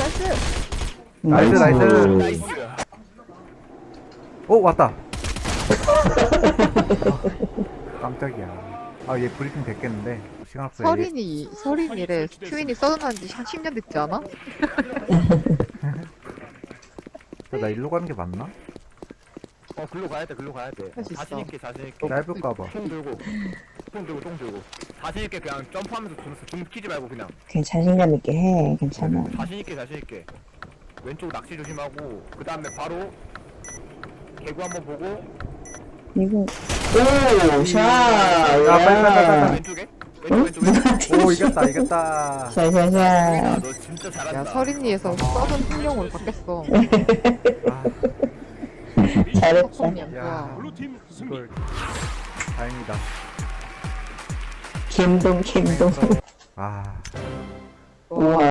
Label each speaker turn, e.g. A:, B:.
A: 나이스 나이스. 오 왔다. 깜짝이야. 아 얘 브리핑 됐겠는데 시간 없어.
B: 서린이래. 큐인이 써둔한 지 한 10년 됐지 않아?
A: 나 일로 가는 게 맞나?
C: 글로 가야 돼, 글로 가야 돼.
B: 할수 있어.
C: 자신있게, 자신있게.
A: 짧을까봐.
C: 통 들고, 통 들고. 자신있게 그냥 점프하면서 줌 키지 말고 그냥.
D: 그냥 자신감 있게 해. 괜찮아.
C: 자신있게, 자신있게. 왼쪽 낚시 조심하고, 그 다음에 바로 개구 한번 보고,
D: 이거 오 샤.
A: 야, 빨리.
C: 왼쪽에? 왼쪽.
A: 오 이겼다 이겼다.
D: 샤샤샤.
C: 너 진짜 잘한다.
B: 야, 서린이에서 써둔 풍경으로 바뀌었어.
A: 아,
D: 잘했다.
B: 석성님,
A: 야.
B: 와.
A: 이걸 다행이다.
D: 김동.
A: 아.
D: 우와.